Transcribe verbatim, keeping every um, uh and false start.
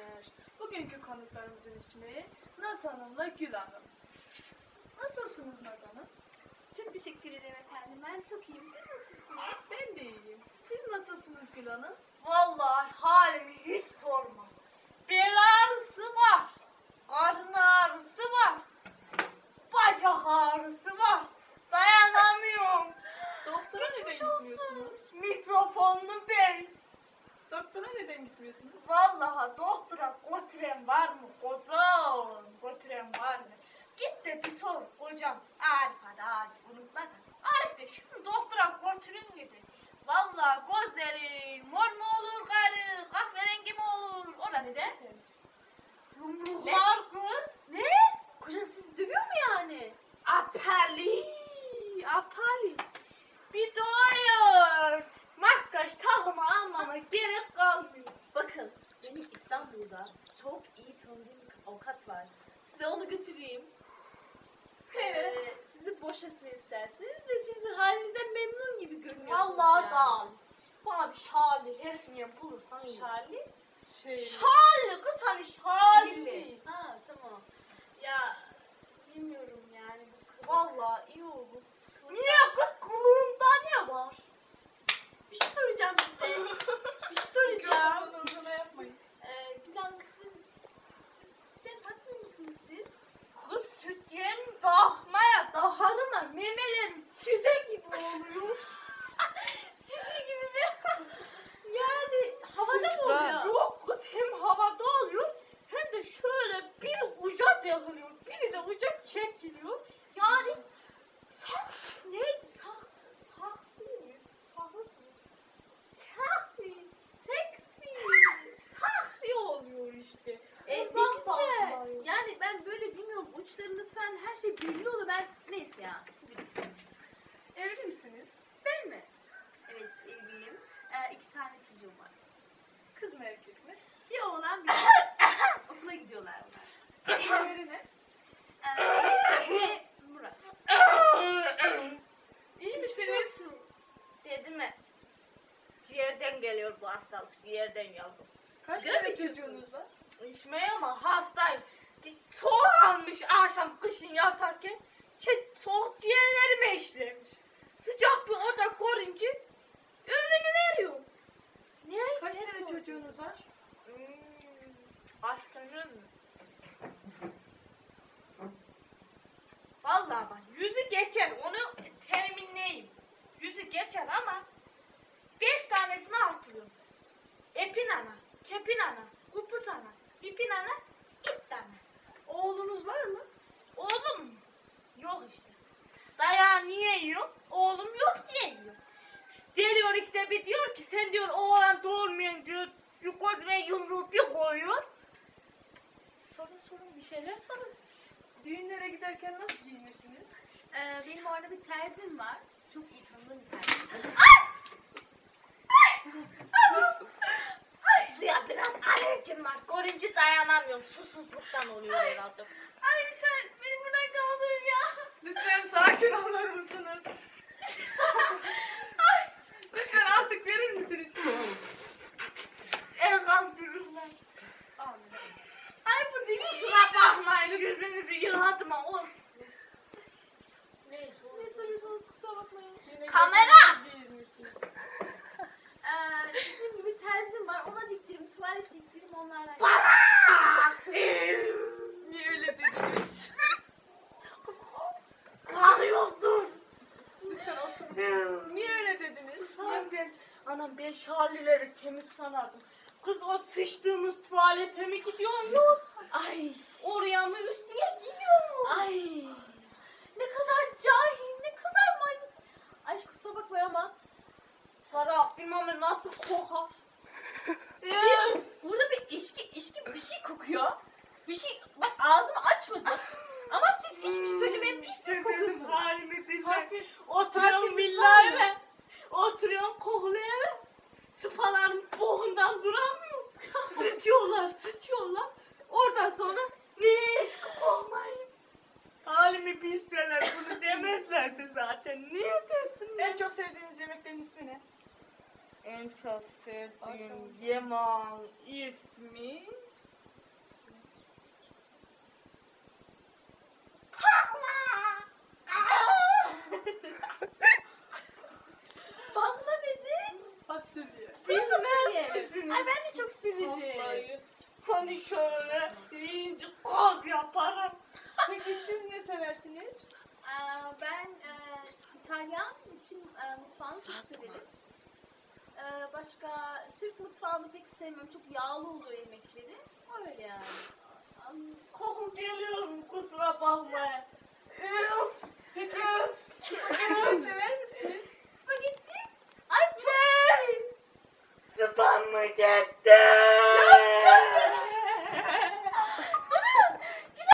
dinleyenler. Bugünkü konuklarımızın ismi Naz Hanım'la Gül Hanım. Nasılsınız Naz Hanım? Çok teşekkür ederim efendim. Ben çok iyiyim. Siz nasılsınız? Ben de iyiyim. Siz nasılsınız Gül Hanım? Vallahi halimi hiç sorma. Bel ağrısı var. Karın ağrısı var. Bacak ağrısı var. Dayanamıyorum. Doktora neden Geçmiş olsun. gitmiyorsunuz? Mikrofonlu bey. Doktora neden gitmiyorsunuz? Vallahi doktora götüren var mı kocam? Götüren var mı? Git de bir sor kocam. Arif hadi Arif unutma da. Arif de şunu doktora götürün dedi. Vallahi gözleri mor mu olur gayrı, kahverengi mi olur? Ona neden? Yumruklar kız. Ne? Kocan sizi dövüyor mu yani? Atali, atali. Bir doyur. Makyaj takımı almama gerek kalmıyor. Bakın, benim İstanbul'da çok iyi tanıdığım bir avukat var. Size onu götüreyim. Evet. Ee, sizi boşasın isterseniz ve sizin halinizden memnun gibi görünüyorsunuz. Vallahi yani. sağ ol. Bana bir şali herfiye bulursan iyi. Charlie? Şey, Şali kız hani şali. Ha tamam. Ya bilmiyorum yani bu kız. Vallahi iyi olur. Niye kız kulağımda ne var? Bir şey soracağım size. bir şey soracağım. Mikrofonun ucuna yapmayın. Ee, Gülen kızım, siz sütten takmıyor musunuz siz? Kız sütyen dağmaya daharıma memelerim füze gibi oluyor. Sizin gibi mi? Yani havada mı Sütler. oluyor? Yok kız hem havada oluyor hem de şöyle bir uca dağılıyor. Biri de uca çekiliyor. Yani saks neydi? Saks, saksi mi? Saksi mi? Saksi, seksi, saksi oluyor işte. E, ne Ondan güzel. saksılıyor. Yani ben böyle bilmiyorum uçlarını falan her şey belli oluyor. Ben neyse ya. siz bilirsiniz. Evli misiniz? Ben mi? Evet evliyim. Ee, iki tane çocuğum var. Kız mı erkek mi? Bir oğlan bir kız. Okula gidiyorlar onlar. İsimleri ne? Ee, Enes ve Murat. İyi Geçmiş misiniz? olsun. Dedi mi? Yerden geliyor bu hastalık, yerden yavrum. Kaç Sigara tane mı içiyorsunuz? çocuğunuz var? İçmeye ama hastayım. Soğuk almış akşam kışın yatarken. Şey, soğuk ciğerlerime işlemiş. Sıcak bir oda korunca ömrünü veriyor. Ne? Kaç ne tane sorun? çocuğunuz var? Hmm, aşkınız mı? Vallahi bak yüzü geçer onu teminleyeyim. Yüzü geçer ama beş tanesini hatırlıyorum. Epin ana, kepin ana, kupus ana, ipin ana, ip ana. Oğlunuz var mı? Oğlum mu? Yok işte. Dayağı niye yiyor? Oğlum yok diye yiyor. Geliyor işte bir diyor ki sen diyor oğlan doğurmayan diyor. Yukoz ve yumruğu bir koyuyor. Sorun sorun bir şeyler sorun. Düğünlere giderken nasıl giyinirsiniz? Ee, benim orada bir terzim var. Çok iyi tanıdığım bir terzim. Ay suya biraz alerjim var. Görünce dayanamıyorum. Susuzluktan oluyor herhalde. Ay sen beni buradan kaldırın ya. Lütfen sakin olur musunuz? Ay. Lütfen artık verir misiniz? Elhamdülillah. Amin. Ay bu deli. Kusura bakmayın yüzünüzü yıladım ama olsun. Neyse Ne soruyorsunuz kusura bakmayın. Yine Kamera! giyinmişsiniz. Ee, dediğim gibi terzim var. Ona diktirim, tuvalet diktirim onlarla. Para! Niye öyle dediniz? Kalıyordum. Lütfen oturun. Niye öyle dediniz? Anam ben, anam ben şalileri temiz sanardım. Kız o sıçtığımız tuvalete mi gidiyormuş? Ay. Oraya mı üstüne gidiyor mu? Ay. Ne kadar cahil, ne kadar manyak. Ay kusura bakma ama. Serap bilmem nasıl kokar. Bir, burada bir içki, içki bir şey kokuyor. Bir şey, bak ağzımı açmadım. Ama siz hiçbir şey söylemeyin, pis pis kokuyorsunuz. halimi bilmem. Harfi- Oturuyorum harfimiz villa var mı? eve. Oturuyorum kokulu eve. Sıfalarım boğundan duramıyor. Sıçıyorlar, sıçıyorlar. Oradan sonra niye eşkık olmayayım? Halimi bilseler bunu demezlerdi zaten. Niye desin? En çok sevdiğiniz yemeklerin ismi ne? En çok sevdiğim Açalım. yemeğin ismi Bilmez misiniz? Ay ben de çok severim. Vallahi. Hani şöyle yiyince gaz yaparım. Peki siz ne seversiniz? Aa, ben e, İtalyan için e, mutfağını çok severim. Ee, başka Türk mutfağını pek sevmem. Çok yağlı oluyor yemekleri. Öyle yani. Am, Koku geliyor mu kusura bakmayın. Üf. Peki Üf. spagetti sever misiniz? Spagetti. Ay çok. Spagetti.